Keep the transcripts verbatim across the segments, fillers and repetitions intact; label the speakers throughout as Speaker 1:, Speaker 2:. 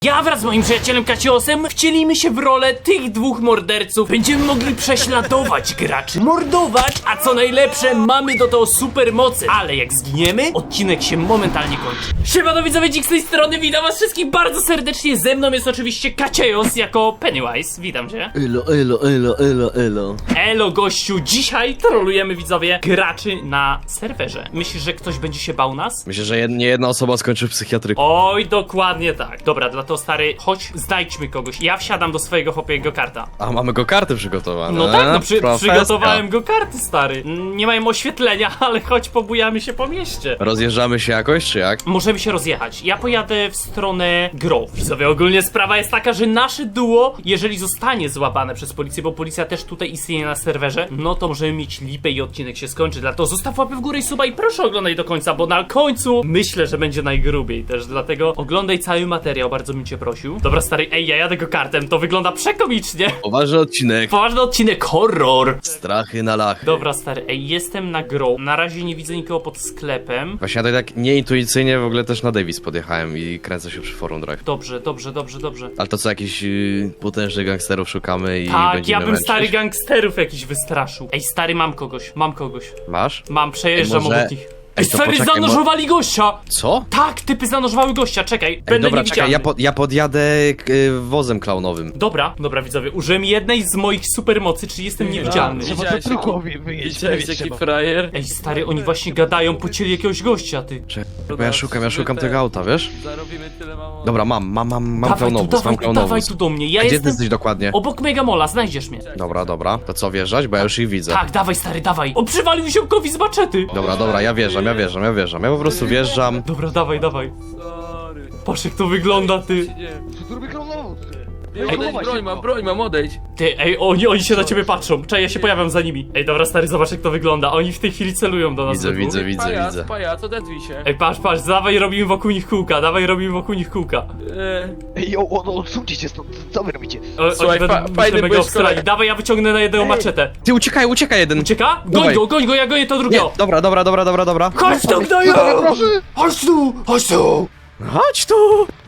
Speaker 1: Ja wraz z moim przyjacielem Kaciosem wcielimy się w rolę tych dwóch morderców. Będziemy mogli prześladować graczy, mordować, a co najlepsze, mamy do tego super mocy. Ale jak zginiemy, odcinek się momentalnie kończy. Siemano widzowie, Dzik z tej strony, witam was wszystkich bardzo serdecznie. Ze mną jest oczywiście Kacios jako Pennywise, witam cię.
Speaker 2: Elo, elo, elo, elo, elo.
Speaker 1: Elo gościu, dzisiaj trolujemy widzowie graczy na serwerze. Myślisz, że ktoś będzie się bał nas?
Speaker 2: Myślę, że jed nie jedna osoba skończy w psychiatryku.
Speaker 1: Oj, dokładnie tak. Dobra, dla to stary, chodź, znajdźmy kogoś. Ja wsiadam do swojego hopiego karta.
Speaker 2: A mamy go karty przygotowane.
Speaker 1: No tak, no przy,
Speaker 2: Profeska.
Speaker 1: przygotowałem go karty, stary. Mm, Nie mają oświetlenia, ale choć pobujamy się po mieście.
Speaker 2: Rozjeżdżamy się jakoś, czy jak?
Speaker 1: Możemy się rozjechać. Ja pojadę w stronę Grove. Widzowie, ogólnie sprawa jest taka, że nasze duo, jeżeli zostanie złapane przez policję, bo policja też tutaj istnieje na serwerze, no to możemy mieć lipę i odcinek się skończy. Dlatego zostaw łapy w górę i suba i proszę oglądaj do końca, bo na końcu myślę, że będzie najgrubiej też. Dlatego oglądaj cały materiał, bardzo bym cię prosił. Dobra, stary, ej, ja jadę go kartem, to wygląda przekomicznie.
Speaker 2: Poważny odcinek.
Speaker 1: Poważny odcinek, horror.
Speaker 2: Strachy na lachy.
Speaker 1: Dobra, stary, ej, jestem na Grove. Na razie nie widzę nikogo pod sklepem.
Speaker 2: Właśnie ja tak nieintuicyjnie w ogóle też na Davis podjechałem i kręcę się przy Forum Drive.
Speaker 1: Dobrze, dobrze, dobrze, dobrze.
Speaker 2: Ale to co, jakichś yy, potężnych gangsterów szukamy i
Speaker 1: Tak,
Speaker 2: będziemy
Speaker 1: ja bym
Speaker 2: męczyć?
Speaker 1: stary gangsterów jakiś wystraszył. Ej, stary, mam kogoś, mam kogoś.
Speaker 2: Masz?
Speaker 1: Mam, przejeżdżam
Speaker 2: Ej, może-
Speaker 1: obok nich. Ej,
Speaker 2: Ej, to
Speaker 1: stary,
Speaker 2: poczekaj,
Speaker 1: zanożowali gościa!
Speaker 2: Co?
Speaker 1: Tak, typy zanożowały gościa, czekaj,
Speaker 2: Ej,
Speaker 1: będę
Speaker 2: dobra,
Speaker 1: niewidzialny.
Speaker 2: czekaj, ja, po, ja podjadę y, wozem klaunowym.
Speaker 1: Dobra, dobra widzowie, użyłem jednej z moich supermocy, czyli jestem niewidzialny.
Speaker 3: Trzeba to truchowi wyjeść.
Speaker 1: Widziałeś jaki frajer? Ej, stary, oni właśnie gadają, pocieli jakiegoś gościa, ty.
Speaker 2: Czekaj, bo ja szukam, ja szukam tego auta, wiesz?
Speaker 3: Zarobimy tyle mało.
Speaker 2: Dobra, mam, mam, mam, mam
Speaker 1: Dawaj tu,
Speaker 2: klaunowóz,
Speaker 1: dawaj
Speaker 2: mam
Speaker 1: tu, dawaj
Speaker 2: klaunowóz.
Speaker 1: tu do mnie, ja
Speaker 2: A gdzie ty
Speaker 1: jestem
Speaker 2: jesteś dokładnie?
Speaker 1: obok Megamola, znajdziesz mnie.
Speaker 2: Dobra, dobra. To co, wjeżdżać? Bo ja już ich widzę.
Speaker 1: Tak, dawaj stary, dawaj. O, przywalił ziomkowi z maczety.
Speaker 2: Dobra, dobra, ja wjeżdżam, ja wjeżdżam, ja wjeżdżam. Ja po prostu wjeżdżam.
Speaker 1: Dobra, dawaj, dawaj.
Speaker 3: Sorry.
Speaker 1: Patrz jak to wygląda, ty.
Speaker 3: Nie.
Speaker 4: Zrobię klonowóz!
Speaker 3: Ej, odejdź, broń mam, broń mam, odejdź.
Speaker 1: Ty, ej, oni, oni się na ciebie patrzą. Czekaj, ja się pojawiam za nimi. Ej, dobra, stary, zobacz jak to wygląda. Oni w tej chwili celują do nas.
Speaker 2: Widzę,
Speaker 1: we dwóch.
Speaker 2: widzę, widzę,
Speaker 3: Pajac,
Speaker 2: widzę.
Speaker 3: pajac, odezwij się.
Speaker 1: Ej, patrz, patrz, dawaj robimy wokół nich kółka, dawaj robimy wokół nich kółka.
Speaker 3: E,
Speaker 4: Ej, o, o, odsuńcie się stąd, co wy robicie?
Speaker 1: O,
Speaker 3: Słuchaj,
Speaker 1: oni
Speaker 3: fa-
Speaker 1: będą
Speaker 3: fajny
Speaker 1: mega
Speaker 3: byłeś
Speaker 1: obstrali.
Speaker 3: kolega.
Speaker 1: Dawaj, ja wyciągnę na jednego maczetę.
Speaker 2: Ty uciekaj, uciekaj jeden!
Speaker 1: Ucieka? Goń
Speaker 2: Dawaj.
Speaker 1: go, goń go, ja gonię to
Speaker 2: Nie,
Speaker 1: drugiego.
Speaker 2: dobra, dobra, dobra, dobra, dobra.
Speaker 1: Chodź tu, gnoju!
Speaker 4: Proszę!
Speaker 1: Chodź tu, chodź tu!
Speaker 2: Chodź tu!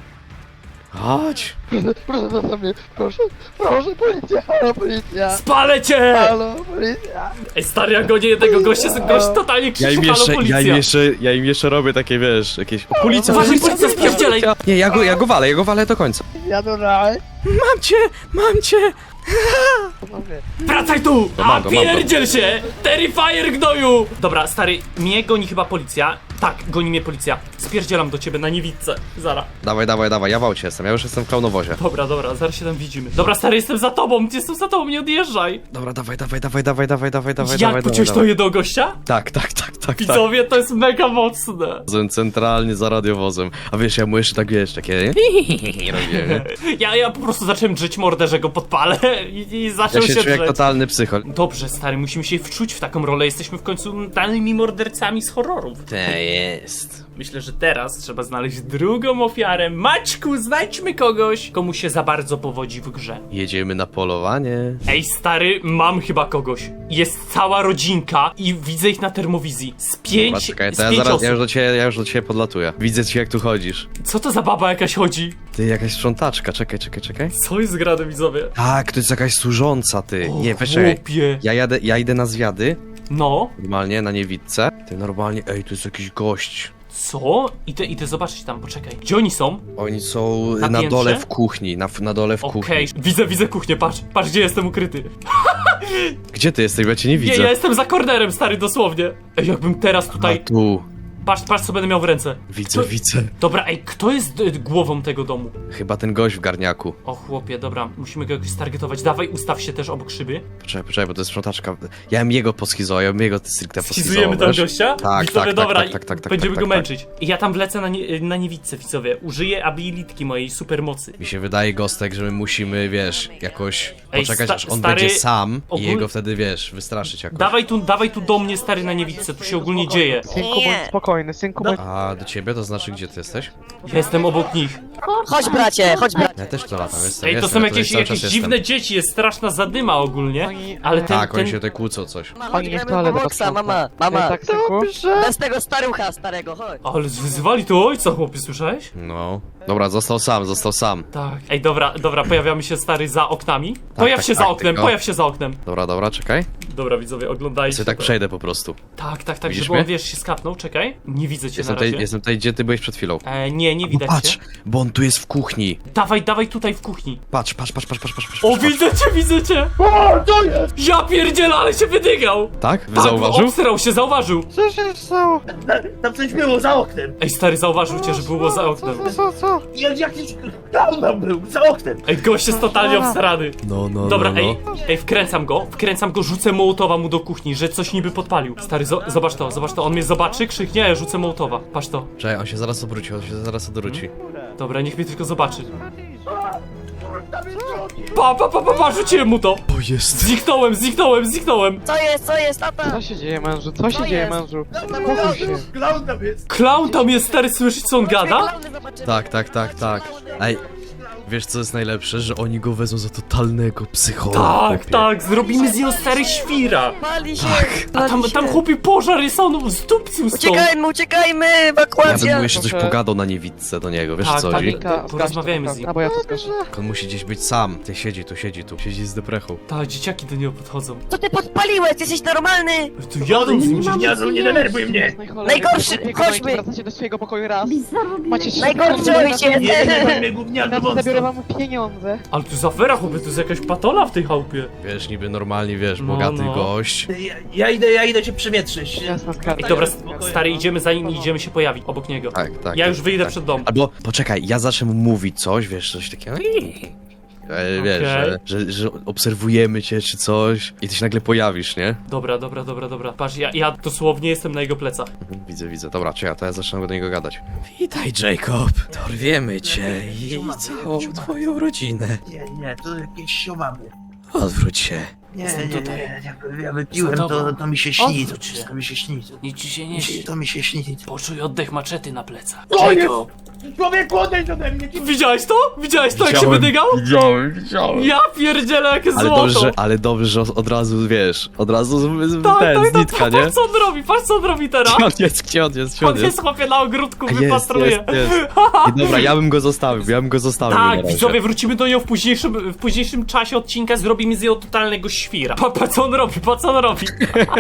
Speaker 2: Chodź!
Speaker 4: Proszę, zostaw mnie, proszę, proszę, policja, halo, policja!
Speaker 1: Spalę cię!
Speaker 4: Halo, policja!
Speaker 1: Ej, stary, ja gonię jednego gościa, gość totalnie
Speaker 2: Ja
Speaker 1: krzyczy,
Speaker 2: im
Speaker 1: halo,
Speaker 2: jeszcze,
Speaker 1: policja.
Speaker 2: ja im jeszcze, ja im jeszcze robię takie, wiesz, jakieś... O, policja,
Speaker 1: Uważaj, policja, spierdzielaj!
Speaker 2: Nie, ja go, ja go walę, ja go walę do końca.
Speaker 4: Ja do raj!
Speaker 2: Mam cię, mam cię!
Speaker 1: Wracaj tu!
Speaker 2: No, mam
Speaker 1: A
Speaker 2: go, mam go.
Speaker 1: pierdziel się! Terrifier gnoju! Dobra, stary, mnie goni chyba policja. Tak, goni mnie policja. Spierdzielam do ciebie na niewidce. Zara.
Speaker 2: Dawaj, dawaj, dawaj, ja w aucie jestem, ja już jestem w klaunowozie.
Speaker 1: Dobra, dobra, zaraz się tam widzimy. Dobra, stary, jestem za tobą, jestem za tobą, nie odjeżdżaj.
Speaker 2: Dobra, dawaj, dawaj, dawaj, dawaj, dawaj, dawaj, dawaj,
Speaker 1: Jak
Speaker 2: dawaj,
Speaker 1: pociąć
Speaker 2: dawaj.
Speaker 1: to jednego gościa?
Speaker 2: Tak, tak, tak, tak, tak.
Speaker 1: Widzowie, to jest mega mocne.
Speaker 2: Wozem centralnie za radiowozem. A wiesz, ja mu jeszcze tak, wiesz, takie... robię, nie?
Speaker 1: Ja, ja po prostu zacząłem drzeć mordę, że go podpalę i, i zaczął
Speaker 2: Ja się
Speaker 1: się
Speaker 2: czuję jak
Speaker 1: drzeć.
Speaker 2: totalny psychol.
Speaker 1: Dobrze, stary, musimy się wczuć w taką rolę. Jesteśmy w końcu danymi mordercami z horrorów.
Speaker 2: To jest...
Speaker 1: Myślę, że teraz trzeba znaleźć drugą ofiarę. Maćku, znajdźmy kogoś, komu się za bardzo powodzi w grze.
Speaker 2: Jedziemy na polowanie.
Speaker 1: Ej, stary, mam chyba kogoś. Jest cała rodzinka i widzę ich na termowizji. Z pięć,
Speaker 2: Dobra, czekaj,
Speaker 1: z
Speaker 2: to ja
Speaker 1: pięć
Speaker 2: zaraz,
Speaker 1: osób.
Speaker 2: ja już do ciebie, ja już do ciebie podlatuję. Widzę cię jak tu chodzisz.
Speaker 1: Co to za baba jakaś chodzi?
Speaker 2: Ty, jakaś sprzątaczka, czekaj, czekaj, czekaj.
Speaker 1: Co jest grane, widzowie?
Speaker 2: Tak, to jest jakaś służąca, ty.
Speaker 1: O,
Speaker 2: Nie, weź czekaj.
Speaker 1: chłopie.
Speaker 2: Ja jadę, ja idę na zwiady,
Speaker 1: No,
Speaker 2: normalnie, na niewidce. Ty, normalnie, ej, tu jest jakiś gość.
Speaker 1: co? Idę, idę zobaczyć tam, poczekaj. Gdzie oni są?
Speaker 2: Oni są
Speaker 1: Na
Speaker 2: na,
Speaker 1: piętrze?
Speaker 2: dole w kuchni, na, na dole w
Speaker 1: Okej,
Speaker 2: kuchni.
Speaker 1: widzę, widzę kuchnię, patrz, patrz gdzie jestem ukryty.
Speaker 2: Gdzie ty jesteś, bo ja cię nie
Speaker 1: Nie,
Speaker 2: widzę.
Speaker 1: ja jestem za kornerem, stary, dosłownie. Ej, jakbym teraz
Speaker 2: A
Speaker 1: tutaj...
Speaker 2: tu,
Speaker 1: Patrz, patrz co będę miał w ręce.
Speaker 2: widzę,
Speaker 1: To-
Speaker 2: widzę.
Speaker 1: Dobra, ej, kto jest y, głową tego domu?
Speaker 2: Chyba ten gość w garniaku.
Speaker 1: O chłopie, dobra, musimy go jakoś stargetować. Dawaj, ustaw się też obok szyby.
Speaker 2: Poczekaj, poczekaj, bo to jest sprzątaczka. Ja bym jego poschizował, ja bym jego stricte poschizował,
Speaker 1: Schizujemy tam
Speaker 2: wiesz?
Speaker 1: gościa?
Speaker 2: Tak,
Speaker 1: Widzowie,
Speaker 2: tak,
Speaker 1: dobra,
Speaker 2: tak, tak, tak, tak,
Speaker 1: będziemy
Speaker 2: tak,
Speaker 1: go
Speaker 2: tak,
Speaker 1: męczyć. I ja tam wlecę na, nie, na niewidce, widzowie. Użyję abilitki mojej supermocy.
Speaker 2: Mi się wydaje, Gostek, że my musimy, wiesz, jakoś
Speaker 1: Ej,
Speaker 2: poczekać,
Speaker 1: sta-
Speaker 2: aż on
Speaker 1: stary,
Speaker 2: będzie sam
Speaker 1: ogól-
Speaker 2: i jego wtedy, wiesz, wystraszyć jakoś.
Speaker 1: Dawaj tu, dawaj tu do mnie, stary, na niewidce, tu się ogólnie dzieje.
Speaker 4: Synku, bądź spokojny, synku, bądź...
Speaker 2: A do ciebie to znaczy, gdzie ty jesteś?
Speaker 1: Ja jestem obok nich.
Speaker 5: Chodź bracie, chodź bracie.
Speaker 2: Ja też to latam, jestem,
Speaker 1: Ej, to
Speaker 2: jestem,
Speaker 1: są
Speaker 2: ja tutaj
Speaker 1: jakieś,
Speaker 2: cały
Speaker 1: jakieś
Speaker 2: czas
Speaker 1: dziwne
Speaker 2: jestem.
Speaker 1: dzieci, jest straszna zadyma ogólnie.
Speaker 4: Oni-
Speaker 1: Ale ten,
Speaker 2: Tak, oni
Speaker 1: ten...
Speaker 2: się tutaj kłócą coś.
Speaker 5: Mama,
Speaker 4: Oni
Speaker 5: chodź,
Speaker 4: w
Speaker 5: gramy
Speaker 4: toaletę
Speaker 5: w Robloxa,
Speaker 4: patrzą.
Speaker 5: mama, mama.
Speaker 4: Ej, tak, synku?
Speaker 5: Bez tego starucha starego, chodź.
Speaker 1: Ale wyzywali tu ojca, chłopie, słyszałeś?
Speaker 2: No. Dobra, został sam, został sam.
Speaker 1: Tak. Ej, dobra, dobra, pojawiamy się stary za oknami. Pojaw
Speaker 2: tak,
Speaker 1: się za
Speaker 2: tak,
Speaker 1: oknem,
Speaker 2: tylko-
Speaker 1: pojaw się za oknem.
Speaker 2: Dobra, dobra, czekaj.
Speaker 1: Dobra, widzowie, oglądajcie.
Speaker 2: Sobie tak
Speaker 1: to.
Speaker 2: przejdę po prostu.
Speaker 1: Tak, tak, tak,
Speaker 2: Widzisz
Speaker 1: żeby on,
Speaker 2: mnie?
Speaker 1: wiesz, się skapnął, czekaj. Nie widzę cię
Speaker 2: Jestem
Speaker 1: na razie.
Speaker 2: tutaj, jestem tutaj, gdzie ty byłeś przed chwilą.
Speaker 1: E, nie, nie widać
Speaker 2: Patrz,
Speaker 1: cię.
Speaker 2: bo on tu jest w kuchni.
Speaker 1: Dawaj, dawaj tutaj w kuchni.
Speaker 2: Patrz, patrz, patrz, patrz, patrz, patrz. patrz,
Speaker 1: O,
Speaker 2: patrz.
Speaker 1: widzę cię, widzę cię!
Speaker 4: O, co jest?
Speaker 1: Ja pierdzielę, ale się wydygał!
Speaker 2: Tak? Wy
Speaker 1: Tak,
Speaker 2: zauważył?
Speaker 1: obsrał się, zauważył!
Speaker 4: Co się stało?
Speaker 6: Tam coś było za oknem.
Speaker 1: Ej, stary, zauważył cię, że było za oknem.
Speaker 4: Co, co, co?
Speaker 6: Jak jakiś clown tam był, za oknem.
Speaker 1: Ej, gość jest totalnie obsrany.
Speaker 2: No, no,
Speaker 1: Dobra,
Speaker 2: no, no.
Speaker 1: ej, ej, wkręcam go, wkręcam go, rzucę mołotowa mu do kuchni, że coś niby podpalił. Stary, zo zobacz to, zobacz to, on mnie zobaczy, krzyknie, a ja rzucę mołotowa. Patrz to.
Speaker 2: Czekaj, on się zaraz obróci, on się zaraz odwróci.
Speaker 1: Dobra, niech mnie tylko zobaczy. Pa, pa, pa, pa, pa, rzuciłem mu to!
Speaker 2: O, jest.
Speaker 1: Zniknąłem, zniknąłem, zniknąłem!
Speaker 5: Co jest, co jest, tata?
Speaker 4: Co się dzieje, mężu? Co się
Speaker 5: Co
Speaker 4: dzieje,
Speaker 5: jest?
Speaker 4: mężu?
Speaker 5: Clown
Speaker 4: Spokój się.
Speaker 6: Clown tam jest.
Speaker 1: Klaun tam jest, stary, słyszysz co on gada?
Speaker 2: Tak, tak, tak, tak. Ej, wiesz co jest najlepsze? Że oni go wezmą za totalnego psychola.
Speaker 1: Tak,
Speaker 2: chłopie.
Speaker 1: tak, zrobimy z niego stary świra.
Speaker 5: Pali się,
Speaker 1: A tam,
Speaker 5: pali
Speaker 1: tam
Speaker 5: się.
Speaker 1: chłopie pożar jest, on zdupcił stąd.
Speaker 5: Uciekajmy, uciekajmy,
Speaker 2: Ja bym
Speaker 5: ewakuacja!
Speaker 2: mu jeszcze coś
Speaker 4: Proszę.
Speaker 2: pogadał na niewidce do niego, wiesz
Speaker 1: Tak,
Speaker 2: co
Speaker 1: tak.
Speaker 2: chodzi?
Speaker 4: Ka-
Speaker 1: Porozmawiajmy
Speaker 4: zgaś
Speaker 1: z
Speaker 4: to,
Speaker 1: nim.
Speaker 4: A, bo ja to zgaszę.
Speaker 2: On musi gdzieś być sam. Ty siedzi tu, siedzi tu. Siedzi z deprechą.
Speaker 1: Tak, dzieciaki do niego podchodzą.
Speaker 5: Co ty podpaliłeś? Jesteś normalny?
Speaker 1: Tu jadą z nim.
Speaker 6: Jezu, nie denerwuj mnie.
Speaker 5: Najgorszy, chodźmy.
Speaker 4: Wracacie do swojego pokoju raz. Macie trzy
Speaker 5: Najgorszy
Speaker 4: sekundy,
Speaker 5: ojciec.
Speaker 6: Nie denerwuj mnie, gówniarzu
Speaker 4: Teraz zabiorę
Speaker 6: wąsko.
Speaker 4: wam pieniądze.
Speaker 1: Ale tu jest afera, chłopie, to jest jakaś patola w tej chałupie.
Speaker 2: Wiesz, niby normalnie, wiesz,
Speaker 1: No,
Speaker 2: bogaty
Speaker 1: no.
Speaker 2: gość.
Speaker 6: Ja, ja idę, ja idę cię przewietrzyć.
Speaker 4: Jasna skarga.
Speaker 1: Ej, dobra, stary, idziemy za nim i idziemy się pojawić obok niego.
Speaker 2: Tak, tak.
Speaker 1: Ja
Speaker 2: tak,
Speaker 1: już wyjdę
Speaker 2: tak.
Speaker 1: przed dom.
Speaker 2: Albo, poczekaj, ja zacznę mu mówić coś, wiesz, coś takiego. E, Wiesz,
Speaker 1: Okej.
Speaker 2: że, że, że obserwujemy cię czy coś i ty się nagle pojawisz, nie?
Speaker 1: Dobra, dobra, dobra, dobra. Patrz, ja, ja dosłownie jestem na jego plecach.
Speaker 2: Mhm, Widzę, widzę. Dobra, czekaj, to ja zacznę do niego gadać. Witaj, Jacob. Dorwiemy cię i całą twoją rodzinę.
Speaker 6: Nie, nie, to jakieś siowamy.
Speaker 2: Odwróć się.
Speaker 6: Nie,
Speaker 1: Jestem
Speaker 6: nie,
Speaker 1: tutaj.
Speaker 6: nie, jak ja wypiłem,
Speaker 1: Za tobą.
Speaker 6: to, to mi się śni, to
Speaker 1: Odwróć się.
Speaker 6: wszystko mi się śni. To,
Speaker 1: Nic ci się
Speaker 6: mi się, to mi się śni.
Speaker 1: Poczuj oddech maczety na plecach.
Speaker 6: O, jest!
Speaker 1: Jacob!
Speaker 6: Człowieku, odejdź ode mnie!
Speaker 1: Widziałeś to? Widziałeś to, jak się wydygał?
Speaker 2: Widziałem, widziałem.
Speaker 1: Ja pierdzielę, jakie
Speaker 2: Ale
Speaker 1: złoto!
Speaker 2: dobrze, że, ale dobrze, że od razu, wiesz, od razu z, z,
Speaker 1: tak,
Speaker 2: ten,
Speaker 1: tak,
Speaker 2: z
Speaker 1: tak,
Speaker 2: nitka, nie?
Speaker 1: patrz co on robi, patrz co on robi teraz!
Speaker 2: Gdzie on jest, gdzie on jest, gdzie on
Speaker 1: On jest
Speaker 2: jest?
Speaker 1: chłopie na ogródku,
Speaker 2: A Jest,
Speaker 1: wypatruje.
Speaker 2: jest, jest. I dobra, ja bym go zostawił, ja bym go zostawił na
Speaker 1: Tak,
Speaker 2: razie.
Speaker 1: widzowie, wrócimy do niego w późniejszym, w późniejszym czasie odcinka, zrobimy z niego totalnego świra. Pa, pa co on robi, pa co on robi.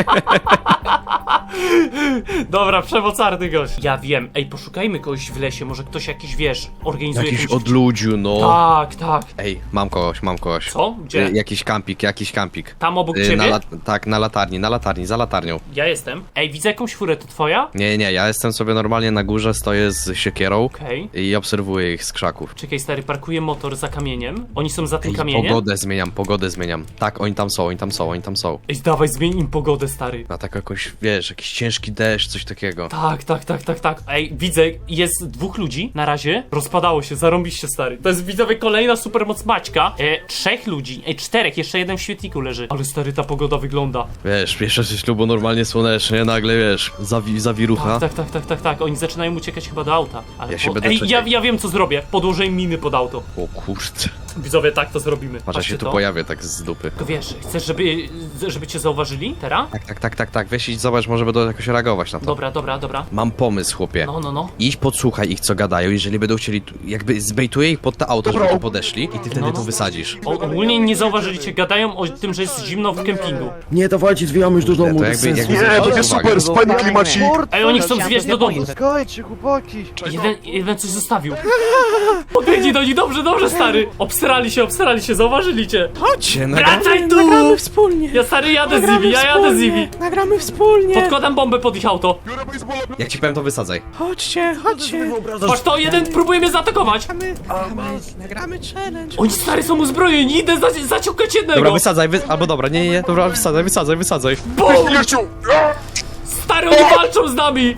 Speaker 1: Dobra, przemocarny gość. Ja wiem, ej, poszukajmy kogoś w lesie, może ktoś jakiś, wiesz, organizuje
Speaker 2: Jakiś
Speaker 1: jakąś...
Speaker 2: odludziu, no.
Speaker 1: Tak, tak.
Speaker 2: Ej, mam kogoś, mam kogoś.
Speaker 1: Co? Gdzie?
Speaker 2: Y, jakiś kampik, jakiś kampik.
Speaker 1: Tam obok
Speaker 2: Y,
Speaker 1: ciebie?
Speaker 2: na lat- tak, na latarni, na latarni, za latarnią.
Speaker 1: Ja jestem. Ej, widzę jakąś furę, to twoja?
Speaker 2: Nie, nie, ja jestem sobie normalnie na górze, stoję z siekierą
Speaker 1: Okej.
Speaker 2: i obserwuję ich z krzaków.
Speaker 1: Czekaj, stary, parkuję motor za kamieniem. Oni są za tym
Speaker 2: Ej,
Speaker 1: kamieniem?
Speaker 2: pogodę zmieniam, pogodę zmieniam. Tak, oni tam są, oni tam są, oni tam są.
Speaker 1: Ej, dawaj, zmień im pogodę, stary.
Speaker 2: Na taką jakąś, wiesz, jakiś ciężki deszcz, coś takiego.
Speaker 1: Tak, tak, tak, tak, tak. Ej, widzę, jest dwóch ludzi na razie. Rozpadało się, zarąbiście, stary. To jest, widzowie, kolejna supermoc Maćka. E, trzech ludzi, ej, czterech, jeszcze jeden w świetniku leży. Ale, stary, ta pogoda wygląda.
Speaker 2: Wiesz, pierwsze ze ślubu normalnie słonecznie, nagle, wiesz, zawi zawirucha.
Speaker 1: Tak, tak, tak, tak, tak. Oni zaczynają uciekać chyba do auta. Ale
Speaker 2: Ja się
Speaker 1: po...
Speaker 2: będę
Speaker 1: Ej,
Speaker 2: czekał.
Speaker 1: ja, ja wiem, co zrobię. Podłożę im miny pod auto.
Speaker 2: O kurde.
Speaker 1: Widzowie, tak to zrobimy.
Speaker 2: Patrz, ja
Speaker 1: Patrzcie
Speaker 2: się tu
Speaker 1: to.
Speaker 2: pojawię tak z dupy.
Speaker 1: Tylko wiesz, chcesz, żeby, żeby cię zauważyli teraz?
Speaker 2: Tak, tak, tak, tak, tak, weź i zobacz, może będą jakoś reagować na to.
Speaker 1: Dobra, dobra, dobra.
Speaker 2: Mam pomysł, chłopie.
Speaker 1: No, no, no.
Speaker 2: Idź podsłuchaj ich, co gadają, jeżeli będą chcieli, tu- jakby zbejtuję ich pod to auto, żeby tu podeszli i ty wtedy
Speaker 1: No, no.
Speaker 2: tu wysadzisz.
Speaker 1: O, ogólnie nie zauważyli cię, gadają o tym, że jest zimno w kempingu.
Speaker 7: Nie, dawajcie, zwijamy już do domu,
Speaker 2: To
Speaker 7: bez
Speaker 2: jakby,
Speaker 7: sensu.
Speaker 2: jakby
Speaker 8: Nie,
Speaker 2: zwrócić
Speaker 8: będzie
Speaker 2: uwagę.
Speaker 8: super, fajny klimacik.
Speaker 1: Ej, oni chcą zwieść do domu.
Speaker 4: Skojcie, chłopaki.
Speaker 1: Jeden, jeden coś zostawił. Podbiegnij do nich, dobrze, dobrze, stary. Obsrali się, obsrali się, zauważyli cię.
Speaker 2: Chodźcie,
Speaker 1: Wracaj tu!
Speaker 2: nagramy wspólnie.
Speaker 1: Ja, stary, jadę z nimi, ja jadę z nimi.
Speaker 2: Nagramy wspólnie.
Speaker 1: Podkładam bombę pod ich auto.
Speaker 2: Jak ci powiem, to wysadzaj.
Speaker 7: Chodźcie, chodźcie.
Speaker 1: Patrz to, jeden próbuje mnie zaatakować.
Speaker 2: Nagramy challenge.
Speaker 1: Oni, stary, są uzbrojeni, idę za, zaciukać jednego.
Speaker 2: Dobra, wysadzaj, wy... albo dobra, nie, nie, nie, dobra, wysadzaj, wysadzaj, wysadzaj.
Speaker 1: Bum!
Speaker 8: Jeciu!
Speaker 1: Stary, oni walczą z nami.